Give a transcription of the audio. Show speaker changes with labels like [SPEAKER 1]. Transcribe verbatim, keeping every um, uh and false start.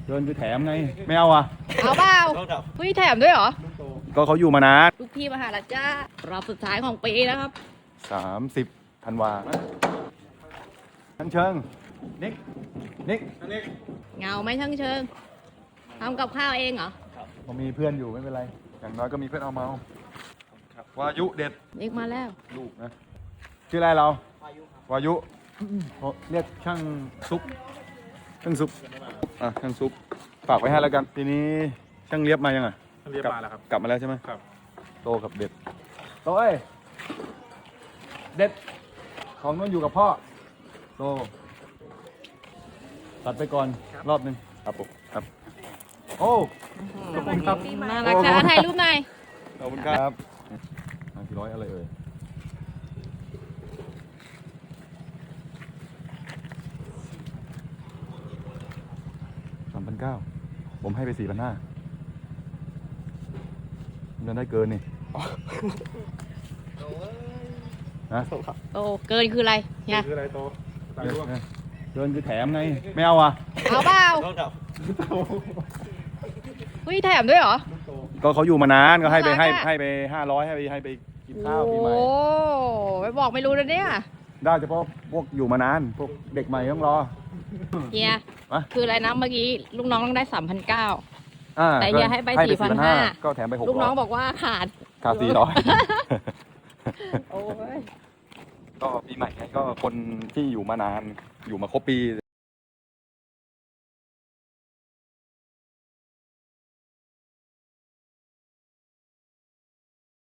[SPEAKER 1] เดินคือแถมไงไม่เอาอ่ะ
[SPEAKER 2] เอาเปล่าเฮ้ยแถมด้วยเหรอ
[SPEAKER 1] ก็เขาอยู่มานาน
[SPEAKER 2] ลูกพี่มหาลัยจ้ารอบสุดท้ายของปีนะครับ
[SPEAKER 1] สามสิบธันวาทั้งเชิงนิกนิก
[SPEAKER 2] เงาไหมช่างเชิงทำกับข้าวเองเหรอ
[SPEAKER 1] ผมมีเพื่อนอยู่ไม่เป็นไรอย่างน้อยก็มีเพื่อนเอาเมาครับวายุเด็ด
[SPEAKER 2] เด็กมาแล้ว
[SPEAKER 1] ลูกนะชื่ออะไรเราวายุเขาเรียกช่างซุปช่างซุปอ่ะช่างซุปฝากไว้ให้แล้วกันทีนี้ช่างเลียบมายังอ่ะ
[SPEAKER 3] เรียบมาแล้วครับ
[SPEAKER 1] กลับมาแล้วใช่ไหม
[SPEAKER 3] ครับ
[SPEAKER 1] โตกับเด็ดโตเอ้ยเด็ดของนู้นอยู่กับพ่อโตตัดไปก่อนรอบหนึ่งครับผมครับโอ้ ขอบคุณครับ
[SPEAKER 2] น่ารักจ้าถ่ายรูปหน่อย
[SPEAKER 1] ขอบคุณครับห้าสี่ร้อยอะไรเอ่ยสามพันเก้าผมให้ไปสี่พันห้ามันได้เกินนี่นะ
[SPEAKER 2] โตเกินคืออะไรเนี่ย
[SPEAKER 3] คืออะไรโตตายร่วง
[SPEAKER 1] เกินคือแถมไงไม่เอาอ่ะ
[SPEAKER 2] เอาเปล่าเฮ้ยแถมด้วยเหรอ
[SPEAKER 1] ก็เขาอยู่มานานก็ให้ไปให้
[SPEAKER 2] น่ารักอะ
[SPEAKER 1] ให้ไปห้าร้อยให้ไปให้ไปกินข้าวปีใหม่
[SPEAKER 2] โอ้ไปบอกไม่รู้เลยเนี่ย
[SPEAKER 1] ได้เฉพาะพวกอยู่มานานพวกเด็กใหม่ต้องรอ
[SPEAKER 2] เฮีย
[SPEAKER 1] อะ
[SPEAKER 2] คืออะไรนะเมื่อกี้ลูกน้องต้องได้สามพันเก้า
[SPEAKER 1] อ่า
[SPEAKER 2] แต่เฮียให้ไปสี่พันห้า
[SPEAKER 1] ก็แถมไปหก
[SPEAKER 2] ลูกน้
[SPEAKER 1] ร้
[SPEAKER 2] อ
[SPEAKER 1] อง ย
[SPEAKER 2] บอกว่าขาด
[SPEAKER 1] ขาดสี่ร้อย
[SPEAKER 2] โอ้ย
[SPEAKER 1] ก็ปีใหม่ไงก็คนที่อยู่มานานอยู่มาครบปี